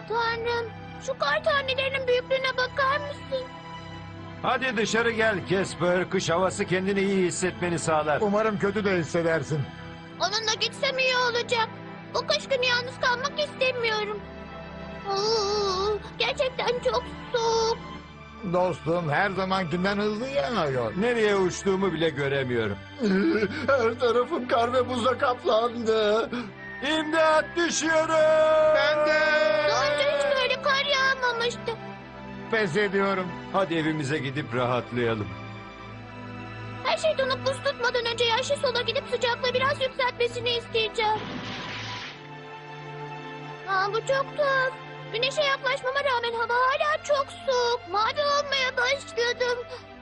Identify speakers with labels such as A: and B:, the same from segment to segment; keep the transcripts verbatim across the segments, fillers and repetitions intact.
A: Tanrım, şu kar tanelerinin büyüklüğüne bakar mısın?
B: Hadi dışarı gel Casper. Kış havası kendini iyi hissetmeni sağlar.
C: Umarım kötü de hissedersin.
A: Onunla gitsem iyi olacak. Bu kış günü yalnız kalmak istemiyorum. Oo, gerçekten çok soğuk.
C: Dostum her zamankinden hızlı yağıyor.
B: Nereye uçtuğumu bile göremiyorum.
C: Her tarafım kar ve buzla kaplandı.
B: İmdat, düşüyorum.
C: Ben de.
A: Daha önce hiç böyle kar yağmamıştı.
C: Pes ediyorum.
B: Hadi evimize gidip rahatlayalım.
A: Her şey donup buz tutmadan önce yaşlı sola gidip sıcaklığı biraz yükseltmesini isteyeceğim. Aa, bu çok tuhaf. Güneşe yaklaşmama rağmen hava hala çok soğuk. Mavi olmaya başladım.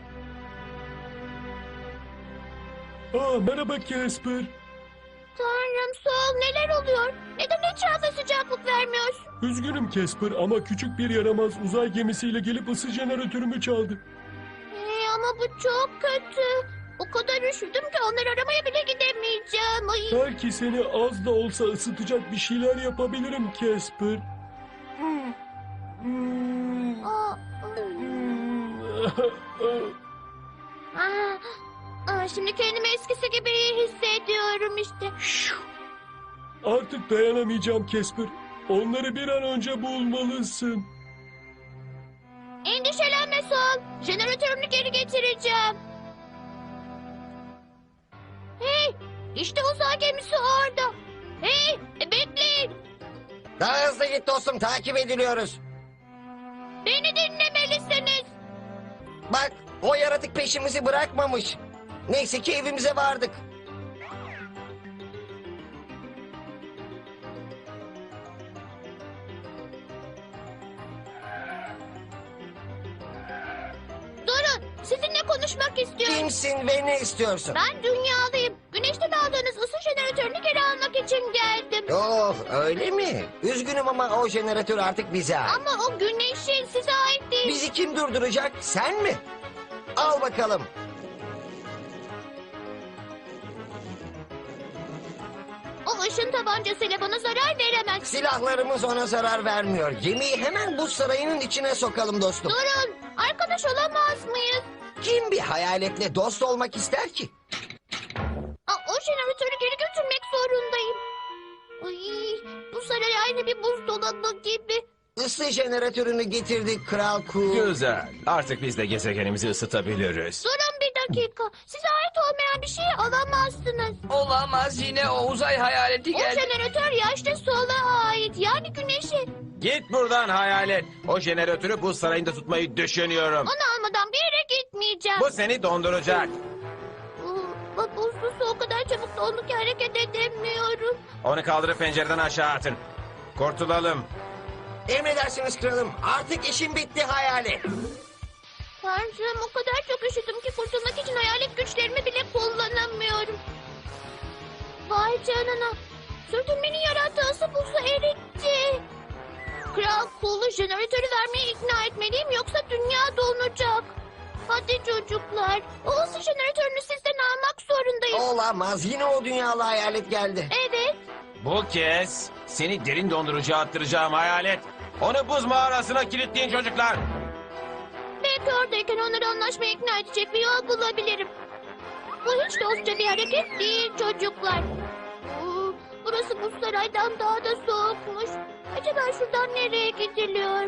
D: Aa, merhaba Casper.
A: Tanrım, Sol, neler oluyor? Neden etrafa sıcaklık vermiyorsun?
D: Üzgünüm Casper ama küçük bir yaramaz uzay gemisiyle gelip ısı jeneratörümü çaldı.
A: Ee, ama bu çok kötü. O kadar üşüdüm ki onları aramaya bile gidemeyeceğim. Ay.
D: Belki seni az da olsa ısıtacak bir şeyler yapabilirim Casper.
A: Aa, aa, aa, şimdi kendimi eskisi gibi iyi hissediyorum işte.
D: Artık dayanamayacağım Casper. Onları bir an önce bulmalısın.
A: Endişelenme Sol. Jeneratörünü geri getireceğim. Hey, işte uzay gemisi orada. Hey, e, bekleyin.
E: Daha hızlı git dostum, takip ediliyoruz.
A: Beni dinlemelisiniz.
E: Bak, o yaratık peşimizi bırakmamış. Neyse ki evimize vardık.
A: Durun, sizinle konuşmak istiyorum.
E: Kimsin ve ne istiyorsun?
A: Ben dünyalıyım. Güneşten aldığınız ısı jeneratörünü geri almak için geldim.
E: Oh, öyle mi? Üzgünüm ama o jeneratör artık bize ait.
A: Ama o güneşin size ait değil.
E: Bizi kim durduracak? Sen mi? Al bakalım.
A: O ışın tabancasıyla bana zarar veremez.
E: Silahlarımız ona zarar vermiyor. Gemiyi hemen buz sarayının içine sokalım dostum.
A: Durun, arkadaş olamaz mıyız?
E: Kim bir hayaletle dost olmak ister ki?
A: Aa, o jeneratörü geri götürmek zorundayım. Ay, bu saray aynı bir buzdolabı gibi.
E: Isı jeneratörünü getirdik Kral Ku.
F: Güzel. Artık biz de gezegenimizi ısıtabiliriz.
A: Durun bir dakika. Size ait olmayan bir şeyi alamazsınız.
G: Olamaz, yine o uzay hayaleti
A: O
G: geldi.
A: jeneratör yaşlı sola ait. Yani güneşe.
F: Git buradan hayalet. O jeneratörü buz sarayında tutmayı düşünüyorum.
A: Onu almadan bir yere gitmeyeceğim.
F: Bu seni donduracak.
A: Bu, bu buzlu su o kadar çabuk dondu ki hareket edemiyorum.
F: Onu kaldırıp pencereden aşağı atın. Kurtulalım.
E: Emredersiniz kralım. Artık işim bitti hayalet.
A: Tanrım, o kadar çok üşüdüm ki kurtulmak için hayalet güçlerimi bile kullanamıyorum. Vay canına. Sürtünmenin yarattığı ısı buzu eritti. Kral Kulu jeneratörü vermeye ikna etmeliyim yoksa dünya donacak. Hadi çocuklar. O ısı jeneratörünü sizden almak zorundayım.
E: Olamaz. Yine o dünyalı hayalet geldi.
A: Evet.
F: Bu kez seni derin dondurucuya attıracağım hayalet. Onu buz mağarasına kilitleyin çocuklar.
A: Belki oradayken onları anlaşmaya ikna edecek bir yol bulabilirim. Bu hiç dostça bir hareket değil çocuklar. Oo, burası bu saraydan daha da soğukmuş. Acaba şuradan nereye gidiliyor?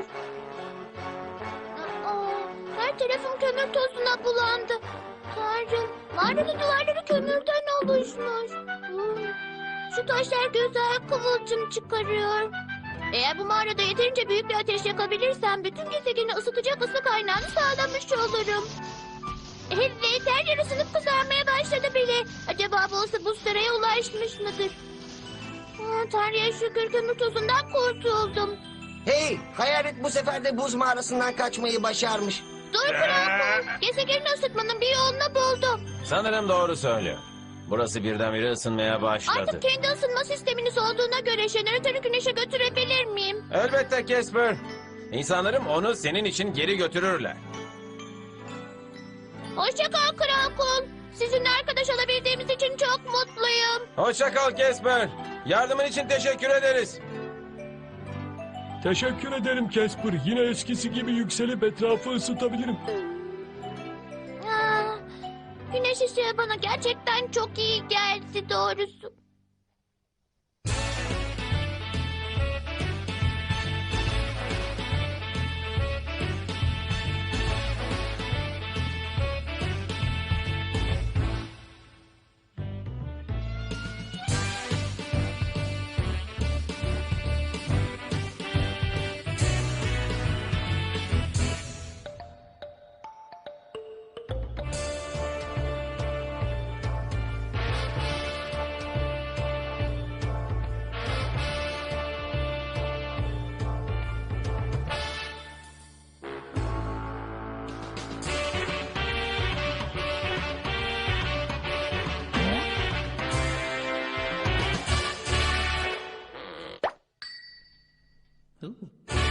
A: Aa, her tarafım kömür tozuna bulandı. Tanrım, mağaranın duvarları kömürden oluşmuş. Oo, şu taşlar güzel kıvılcım çıkarıyor. Eğer bu mağarada yeterince büyük bir ateş yakabilirsem bütün gezegeni ısıtacak ısı kaynağını sağlamış olurum. Evet, her yer ısınıp kızarmaya başladı bile. Acaba bu ısı buz saraya ulaşmış mıdır? Aa, Tanrı'ya şükür kömür tozundan kurtuldum.
E: Hey, hayalet bu sefer de buz mağarasından kaçmayı başarmış.
A: Dur Krakon, gezegeni ısıtmanın bir yolunu buldum.
F: Sanırım doğru söylüyor. Burası birdenbire ısınmaya başladı.
A: Artık kendi ısınma sisteminiz olduğuna göre jeneratörü güneşe götürebilir miyim?
F: Elbette Casper. İnsanlarım onu senin için geri götürürler.
A: Hoşça kal Krakon. Sizinle arkadaş olabildiğimiz için çok mutluyum.
F: Hoşça kal Casper. Yardımın için teşekkür ederiz.
D: Teşekkür ederim Casper. Yine eskisi gibi yükselip etrafı ısıtabilirim.
A: Aa, güneş ışığı bana gerçekten çok iyi geldi doğrusu.
H: Ooh.